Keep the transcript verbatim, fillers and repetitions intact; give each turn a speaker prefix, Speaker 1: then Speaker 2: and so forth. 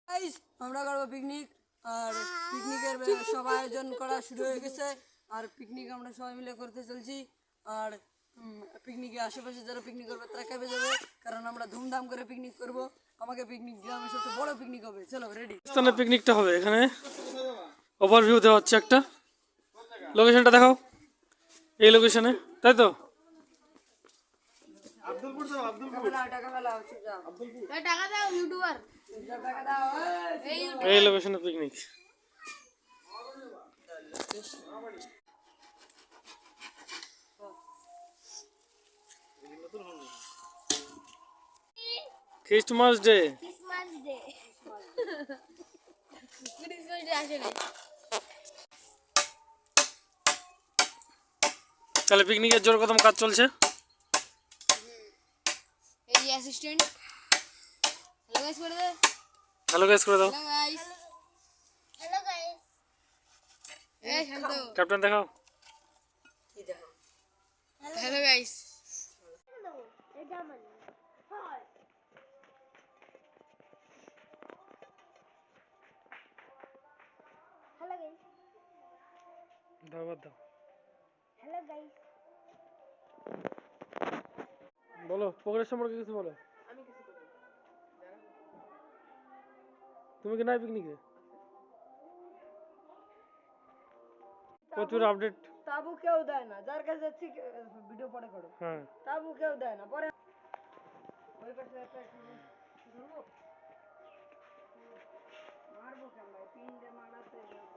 Speaker 1: Guys আমরা করব picnic আর পিকনিকের সব আয়োজন করা শুরু হয়ে গেছে আর পিকনিক আমরা সবাই মিলে করতে চলছি আর পিকনিকে আশেপাশে যারা পিকনিক করবে তারা খেপে যাবে কারণ আমরা ধুমধাম করে পিকনিক করব। আমাকে পিকনিক গ্রামের সবচেয়ে বড় পিকনিক হবে। চলো রেডি।
Speaker 2: স্থানে পিকনিকটা হবে। এখানে ওভারভিউ দেওয়া হচ্ছে একটা। লোকেশনটা দেখাও। এই লোকেশনে, তাই তো?
Speaker 1: আব্দুলপুর দাও, আব্দুলপুর টাকা মেলা হচ্ছে যা আব্দুলপুর
Speaker 3: টাকা দাও ইউটিউবার
Speaker 1: টাকা দাও
Speaker 2: এই লোকেশনে picnic. Christmas Day
Speaker 3: Christmas Day Christmas Day আসলে
Speaker 2: তাহলে পিকনিকের জোর কদম কাজ চলছে।
Speaker 3: এই অ্যাসিস্ট্যান্ট হ্যালো গাইস করে দে।
Speaker 2: হ্যালো গাইস করে দাও।
Speaker 3: হ্যালো গাইস হ্যালো গাইস এই শান্ত
Speaker 2: ক্যাপ্টেন দেখাও।
Speaker 1: কি দেখো
Speaker 3: হ্যালো গাইস
Speaker 4: এটা মানে হাই হ্যালো গাইস
Speaker 2: দাও বাদ দাও।
Speaker 4: হ্যালো গাইস
Speaker 2: বলো প্রোগ্রেস সম্পর্কে কিছু বলো।
Speaker 1: আমি কিছু করি
Speaker 2: তুমি কি নাই পিকনিকে? প্রচুর আপডেট।
Speaker 1: তাবু কেউ দেয় না, যার কাছে যাচ্ছি ভিডিও পরে করো।
Speaker 2: হ্যাঁ
Speaker 1: তাবু কেউ দেয় না, পরে ওই পাশে একটা ধরবো মারবো কেন ভাই, তিনটে মারাতে